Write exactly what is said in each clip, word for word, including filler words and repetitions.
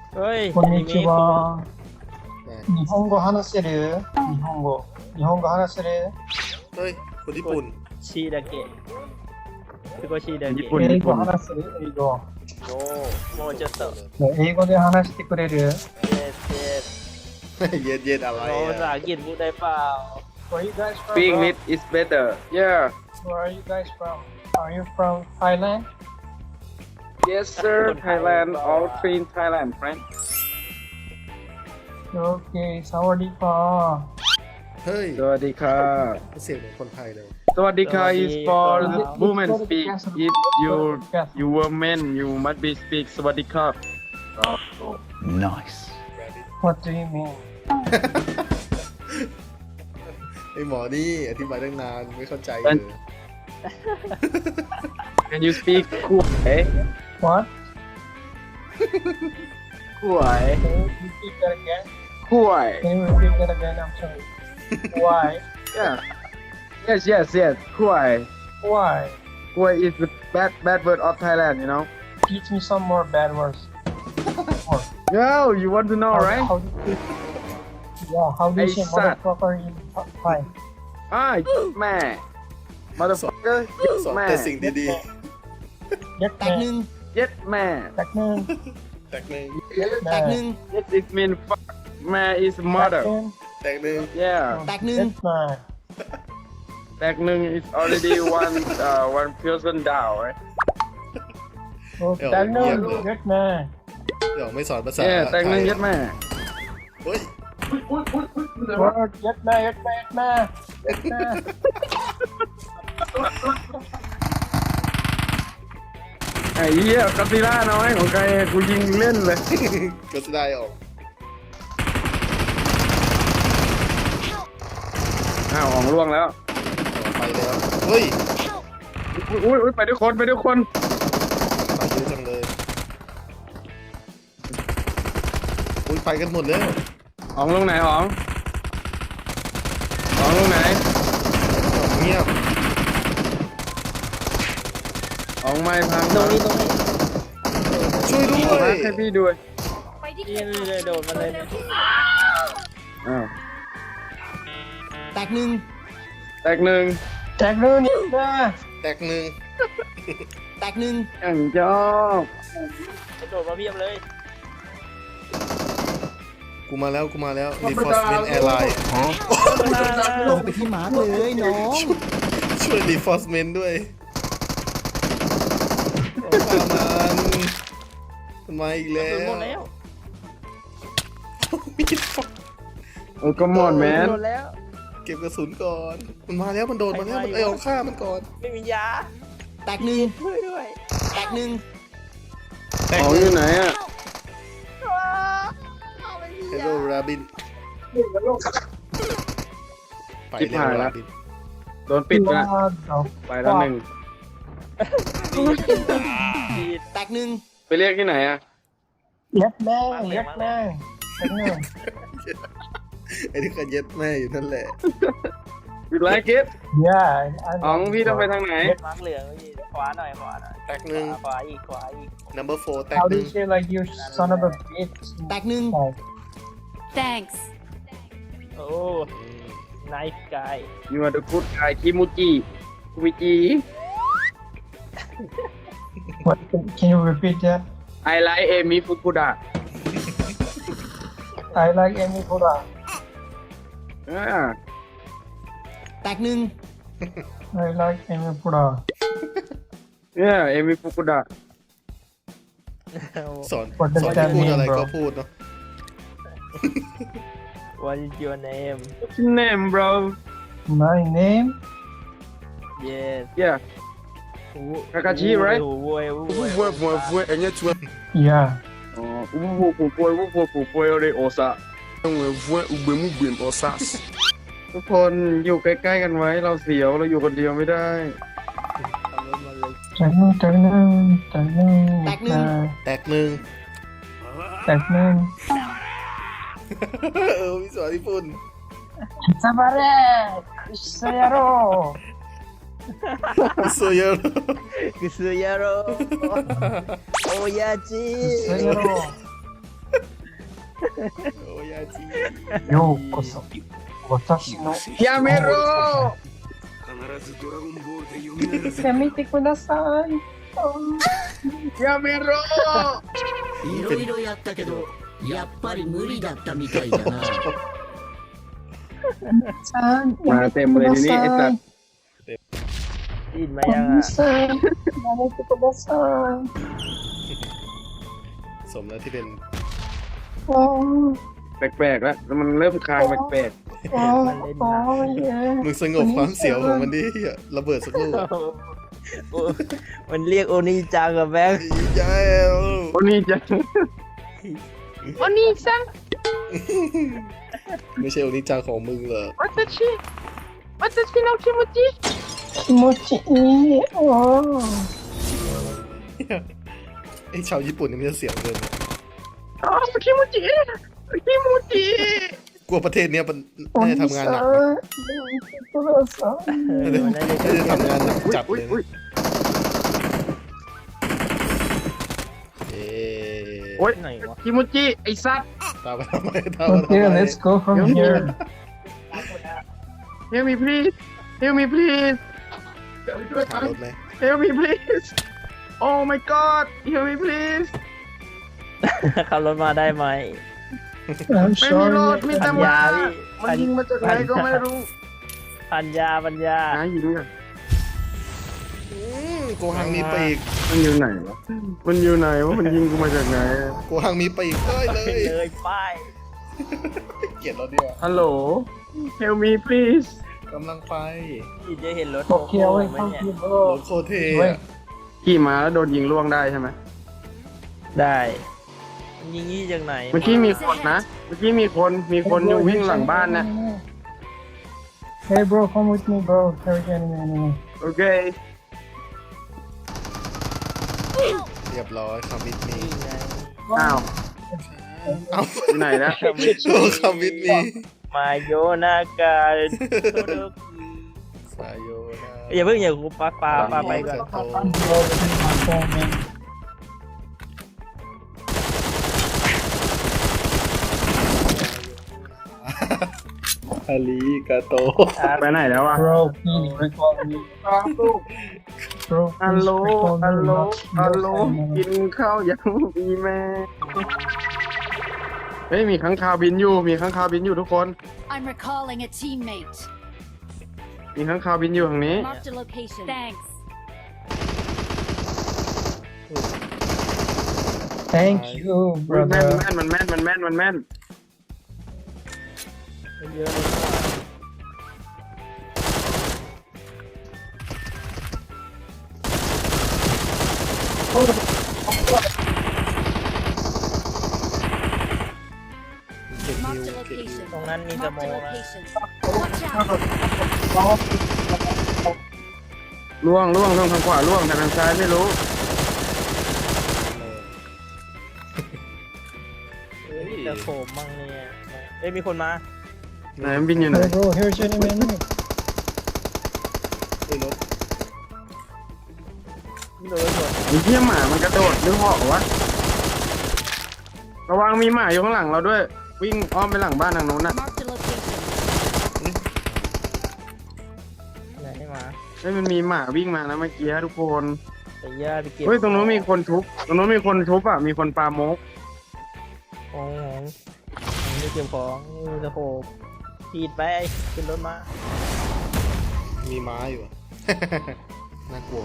เฮ้ยこんにちは。 ไหน日本語話せる？日本語。日本語話せる？ เฮ้ยคนญี่ปุ่นชีดาเกะคือก็ชีดาญี่เกะปุ่น英語話せる？英語。 โอ้もうちょっとね英語で話してくれる？ เย็ดเย็ดเย็นเย็นอะไรโอ้ภาษาอ่ะอังกฤษพูดได้เปล่า Where are you guys from? Speak bro? English is better. Yeah. Where are you guys from? Are you from Thailand? Yes, sir. Thailand. All three in Thailand, friend. Okay, สวัสดีค่ะเฮ้ยสวัสดีค่ะเสียงเหมือนคนไทยเลยสวัสดีค่ะ is for สวัสดีครับ women speak. If you you were men, you must be speak สวัสดีค่ะ Nice. What do you mean? ไอหมอนี่อธิบายตั้งนานไม่เข้าใจเลย Can you speak คุย What? คุย Can you repeat that again? คุย Can you repeat that again? I'm sorry. Why? Yeah. Yes, yes, yes. คุย Why? คุย is the bad bad word of Thailand, you know. Teach me some more bad words. More. Yo, you want to know, How- right? How do you yeah, how do you Hey, say son. motherfucker in Thai? Ah, แม่ motherfucker สอนแม่แต่สิ่งดี Get แตกหนึ่ง yes แม่ Back noon. ๆแตกหนึ่งแตกหนึ่ง yes it mean fuck แม่ is mother Back noon. แตกหนึ่ง yeah แตกหนึ่ง Get man. แตกหนึ่ง is already one uh, one person down right Oh, back noon. Get man. เดี๋ยวไม่สอนภาษา yeah แตกหนึ่ง yes แม่เฮ้ย Word. Get man. Get man. Get man. Get man. ไอ้เหี้ยกัตติล่าน้อยของใครกูยิงเล่นเลยก็จะได้ออกอ้าวของล่วงแล้วไปแล้วเฮ้ยอุ้ยอุ้ยไปด้วยคนไปด้วยคนไปเยอะจังเลยอุ้ยไปกันหมดแล้วของลงไหนของของลงไหนเงียบของไม่พังตรงนี้ตรงนี้ช่วยด้วพัยกให้พี่ด้วยนี่เลยโดดมาเลยอ้าวแตกหนึ่งแตกหนึ่ง Back noon. Get man. แตกหนึ่งแตกหนึ่งอย่างชอบโดดมาเพียบเลยกูมาแล้วกูมาแล้ว Reinforcement Airline ลงไปที่มาร์กเลยน้องช่วย Reinforcement ด้วยฆ่ามันมันมาอีกแล้โดดหมวดแล้วมีดฟักโอ้ก็มอนแมนโดดแล้วเก็บกระสุนก่อน มันมาแล้วมันโดนมาแล้วมันไอ้เอาฆ่ามันก่อนไม่มียาแตกหนึ่งช่วยด้วยแตกหนึ่งแตกของหอนึ่ยู่งไหนอ่ะเฮโร่ราบินไปชิบแล้วหายละราบินโดนปิดนะ What the ไปแล้วหนึ่งชีดแตกหนึ่งไปเรียกที่ไหนอ่ะ Get man. Get man. Back noon. ไอ้ที่กันเย็ดแม่อยู่นั่นแหละ you like it Yeah. I ของ know. พี่ต้องไปทางไหนมาร์กเหลืองพี่ขวาหน่อยขวาหน่อยแตกหนึ่งขวาอีกขวาอีก number four แตก How ห do นึ่ you ง say like you son of a bitch? แตกหนึ่ง Like, Thanks. โอ้ nice guy you are the good guy คิมูจิคุมิจิ what? Can you repeat that? I like Amy Fukuda I like Amy Koda. อ่าแตกหนึ่ง I like Amy Koda. yeah Amy Fukuda สอน What does สอน that ที่พูด mean, อะไร bro? ก็พูดเนาะ What is your name what's your name bro My name? yes yeah Kakashi right โอ้โหโว้ยโว้ยโว้ยเว้ยเว้ยเว้ยอันนี้ชวน Yeah. อ๋ออู้หูผู้ป่วยอู้หูผู้ป่วยเลยโอซาเว้ยเว้ยอุเบมุเบมออซัสทุกคนอยู่ใกล้ๆกันไว้เราเสียวเราอยู่คนเดียวไม่ได้ Tag noon, tag noon, tag noon, Tag get noon. man. แตกหนึ่ง Tag noon. เออพี่สอนญี่ปุ่น Sabare! Kusayaro! โซเยอร์クス野郎親父 Kusayaro! โอ้ยาจีようこそ私のやめろやめてくださいやめろいろいろやったけどやっぱり無理だったみたいだなさんมาเต็มเลยทีนี้ไอ้สัตว์อินมายังอ่ะさんやめてくださいสมแล้วที่เป็นあーแปลกๆแล้วมันเริ่มคลางแปลกあーあーมึงสงบความเสียวของมันดิเหี้ยระเบิดสักลูกโอ้มันเรียกโอนิจังกับแบงค์อีแย้วๆโอ้นี่จังโอ้นี่จังไม่ใช่โอนิจาของมึงเหรอวัตชิวัตชิโนคิโมจิ気持ちいいあーไอ้ชาวญี่ปุ่นนี่มันจะเสียงเกินอ๋อคิโมจิคิโมจิกลัวประเทศเนี้ยมันおน่าจะ兄ทำงานさんหนักやนะめてくださいเออมันน่าจะน่าจะทำงานหนักจัดอุ้เลย ยอุ้ยนะเอ๊ะโอ้ยไหนวะคิโมจิไอ้สัตว์ตามมาทำไมตามมาทำ Okay ไม let's go from here Help me please Help me please หารถไหม Help me please Oh my god Help me please ขับรถมาได้ไหม I'm ไม่มีรถ sorry มีแต่ปัญหมาญาพี่มันยิงมาจากไหนก็ไม่รู้ปัญญาปัญญาหายิงกันอืมโกหังมีปีกมันอยู่ไหนวะมันอยู่ไหนวะมันยิงกูมาจากไหนโกหังมีปีกได้เลยเลยป้ายเกลียดเราดีกว่าฮัลโหล Help me please กำลังไปพี่จะเห็นรถ Okay โอ้ away ไหม from เนี่ย you ร bro ถโคเท Wait อะขี่ม้าแล้วโดนยิงล่วงได้ใช่ไหมได้มันยิงยี่จากไหนเมื่อกี้มีคนนะ เมื่อกี้มีคน มีคนอยู่วิ่งหลังบ้านนะ Hey bro come with me bro Carry enemy enemy โอเคเรียบร้อยคำวิทมีนี่ไงอ้าวเอ้าอยู่ไหนนะโชว์คำวิทมีมาโยนากาโตโดกิสายโยนะอย่าเพิ่งอย่ากูปาปาปาไปก่อนโต I'm bro this is my phone man อาลีกาโตไปไหนแล้วอะ Bro please recall me Bro ฮัล please โหล recall ฮัล me โหล not ฮัลโหล not กินข้าวยังมีแม่ เฮ้ย มีข้างคาวบินอยู่ มีข้างคาวบินอยู่ทุกคน I'm recalling a teammate. มีข้างคาวบินอยู่ทางนี้ Marked a location. Thanks. Thank you อุ๊ยแม่น brother แม่นมันแม่นมันแม่นมันแม่นเยอะเลยเก็บนิว Marked a เก็บนิว location. ตรงนั้นมีส Marked โม a องนะ location. Watch out. ล่วงล่วงล่วงทางขวาล่วงแต่ทางซ้ายไม่รู้เฮ้ยจะโผล่มั่งเนี่ยเอ้ยมีคนมาไหนมันบินอยู่ไหน Hey bro here's enemy enemy ไอ้รถโดนหมดไอ้เหี้ยหมามันกระโดดหรือเหาะวะ ระวังมีหมาอยู่ข้างหลังเราด้วย วิ่งอ้อมไปหลังบ้านทางโน้นน่ะ Marked a location. ไหนมาเฮ้ยมันมีหมาวิ่งมานะเมื่อกี้ทุกคนแต่ย่าไปเก็บเฮ้ยตรงนู้นมีคนทุบ ตรงนู้นมีคนทุบอ่ะ มีคนปาโมกของของของไม่เก็บของนี่จะโผล่ขีดไปขึ้นรถมามีม้าอยู่อะ น่ากลัว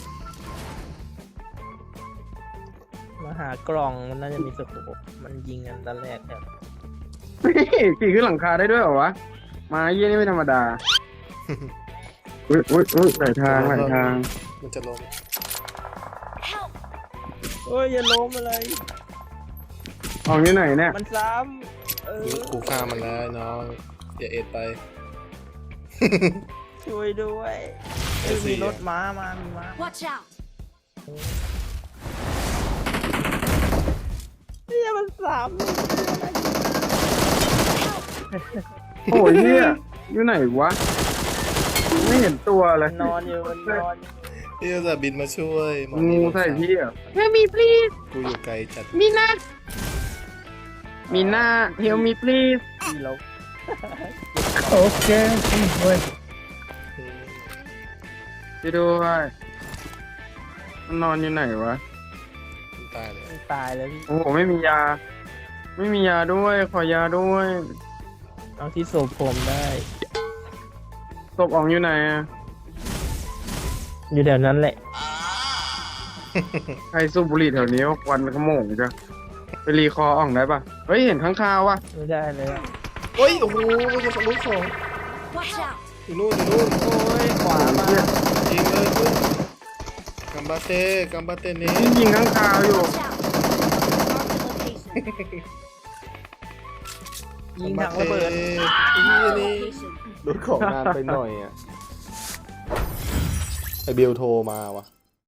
มาหากล่องมันน่าจะมีสโคปมันยิงกันตอนแรกครับเฮ้ยขี่ขึ้นหลังคาได้ด้วยเหรอวะ มาเยี่ยนี่ไม่ธรรมดา อุ้ยอุ้ยอุ้ยหลายทางหลายทางมันจะลง Help. เฮ้ยอย่าล้มอะไรออกที่ไหนเนี่ยมันซ้ำเออกูฆ่ามันแล้วน้องอย่าเอ็ดไปช่วยด้วยเอ้ยมีรถม้ามามีม้า Watch out. เนี่ยมันซ้โอ้ยเฮียอยู่ไหนวะ ไม่เห็นตัวเลยำนอนอยู่มันนอนอยู่พี่จะบินมาช่วยหมองูใส่พี่อ่ะ Help me please กูอยู่ไกลจัดมีนะมีหน้า help me please พี่ลบโอเคเว้ยไปดูไปมันนอนอยู่ไหนวะมันตายเลยตายแล้วพี่โอ้โหไม่มียา ไม่มียาด้วย ขอยาด้วยเอาที่ศพผมได้ศพอองอยู่ไหนอะอยู่แถวนั้นแหละใครสูบบุหรี่แถวนี้วะควันขโมงจ้ะไปรีคออ่องได้ปะเฮ้ยเห็นข้างคาววะไม่ได้เลยอะเฮ้ย โอ้โหไม่ใช่ลูกสอง Watch out! อยู่นู่นอยู่นู่นโอ้ยขวามายิงเลยคุณกัมบาเต้กัมบาเต้นี้ยิงยิงข้างคาวอยู่ Watch out! Mark the location. ยิงถังระเบิดนี่นี่ Location. รถของนานไปหน่อยอ่ะ ไอเบลโทรมาว่ะ